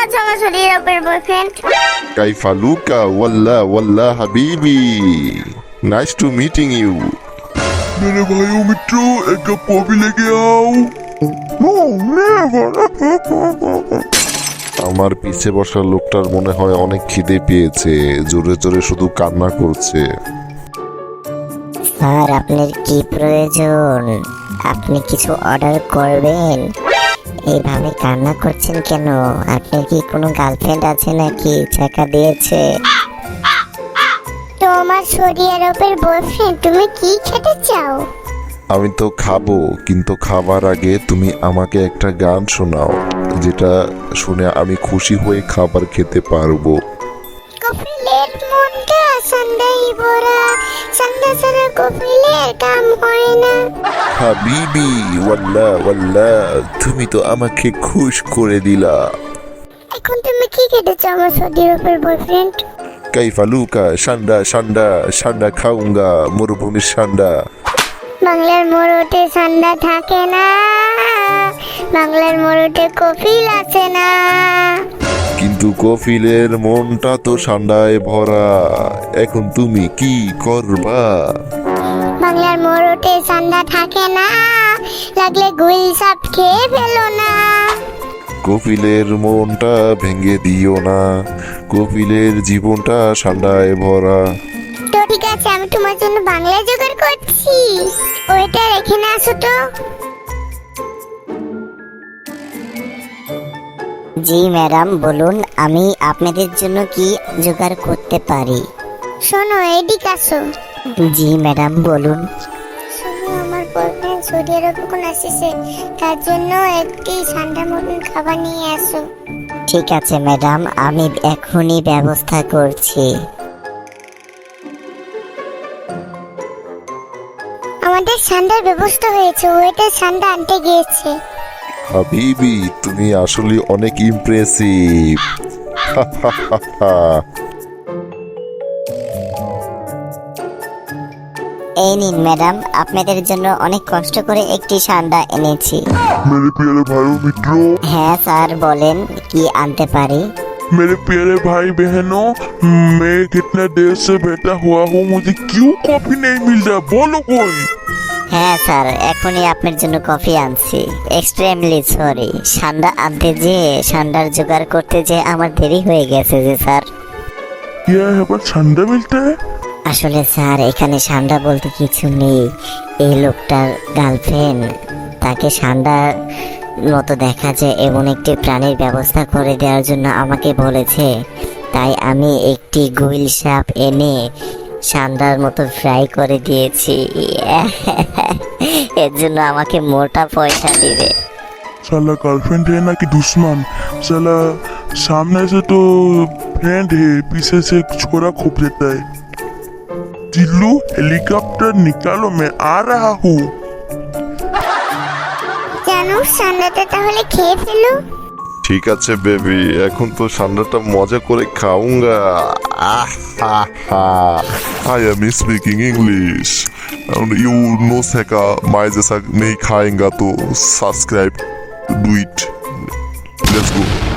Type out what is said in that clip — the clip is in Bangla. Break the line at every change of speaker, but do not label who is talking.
আছো আমার শরীরের উপর বয়ফ্রেন্ড?
কাইফা লুকা ওয়াল্লাহ ওয়াল্লাহ হাবিবি, নাইস টু মিটিং ইউ।
मेरे भाइयों मित्रों एक कप कॉफी लेके आओ।
আমার পিছে বসা লোকটার মনে হয় অনেক খিদে পেয়েছে, জোরে জোরে শুধু কান্না করছে।
স্যার আপনার কি প্রয়োজন? আপনি কিছু অর্ডার করবেন? এইভাবে কান্না করছেন কেন? আপনার কি কোনো গার্লফ্রেন্ড আছে নাকি টাকা দিয়েছে?
তোমার শরীরের উপর বয়ফ্রেন্ড, তুমি কি খেতে চাও?
আমি তো খাবো, কিন্তু খাবার আগে তুমি আমাকে একটা গান শোনাও, যেটা শুনে আমি খুশি হয়ে খাবার খেতে পারবো।
কপিলের মনটা সন্ধ্যায় ভরা, সন্ধ্যা ছাড়া কপিলের কাম হয় না।
হাবিবি ওয়াল্লাহ ওয়াল্লাহ, তুমি তো আমাকে খুশ করে দিলা।
এখন তুমি কি খেতে চাও আমার শরীরের উপর বয়ফ্রেন্ড?
কাইফা লুকা সান্ডা সান্ডা সান্ডা খাউঙ্গা, মরুভূমির সান্ডা।
বাংলার মোড়তে ঠান্ডা থাকে না, বাংলার মোড়তে কপিল আছে না।
কিন্তু কফিলের মনটা তো সান্ডায় ভরা, এখন তুমি কি করবা?
বাংলার মোড়তে ঠান্ডা থাকে না, লাগলে গুইল সাপ খেয়ে ফেলো না।
কপিলের মনটা ভেঙে দিও না, কপিলের জীবনটা সান্ডায় ভরা।
তো ঠিক আছে, আমি তোমার জন্য বাংলা জোগাড় করছি, ওইটা রেখে না আসো তো।
জি ম্যাডাম বলুন, আমি আপনাদের জন্য কি জোগাড় করতে পারি?
শোনো এদিকে আসো।
জি ম্যাডাম বলুন।
শোনো, আমার বয়ফ্রেন্ড সৌদি আরব কোন আসছে, তার জন্য একটি ঠান্ডা মতন খাবার নিয়ে আসো।
ঠিক আছে ম্যাডাম, আমি এখনই ব্যবস্থা করছি।
আমাদের ঠান্ডার ব্যবস্থা হয়েছে, ওইটা ঠান্ডা আনতে গিয়েছে।
হাবিবি তুমি আসলে অনেক ইমপ্রেসিভ।
এই নিন ম্যাডাম, আপনাদের জন্য অনেক কষ্ট করে একটি ঠান্ডা এনেছি।
मेरे प्यारे भाइयों मित्रों,
হ্যাঁ স্যার বলেন, কি আনতে পারি?
मेरे प्यारे भाई बहनों, मैं कितना देर से बैठा हुआ हूँ, मुझे क्यों कॉफी नहीं मिल रहा? बोलो कोई।
হ্যাঁ স্যার, এখনই আপনার জন্য কফি আনছি। এক্সট্রিমলি সরি, ঠান্ডা আনতে যে ঠান্ডার জোগাড় করতে যে আমার দেরি হয়ে গেছে যে স্যার।
क्या यहाँ पर ठंडा मिलता है?
আসলে স্যার এখানে ঠান্ডা বলতে কিছু নেই। এই লোকটার গার্লফ্রেন্ড তাকে ঠান্ডার মতো দেখা যায় এমন একটি প্রাণীর ব্যবস্থা করে দেওয়ার জন্য আমাকে বলেছে, তাই আমি একটি গুইল সাপ এনে ঠান্ডার মতো ফ্রাই করে দিয়েছি। এর জন্য আমাকে মোটা পয়সা দিবে।
साला गर्लफ्रेंड है ना कि दुश्मन? साला सामने से तो फ्रेंड है, पीछे से छोरा खूब देता है। चिल्लू हेलीकॉप्टर निकालो, मैं आ रहा हूँ।
জানো ঠান্ডাটা তাহলে খেয়ে ফেলো।
ঠিক আছে বেবি, এখন তো সান্ডাটা মজা করে খাউঙ্গা। I am speaking English and you know Seka मैं जैसा नहीं खाएंगा तो subscribe do it, let's go।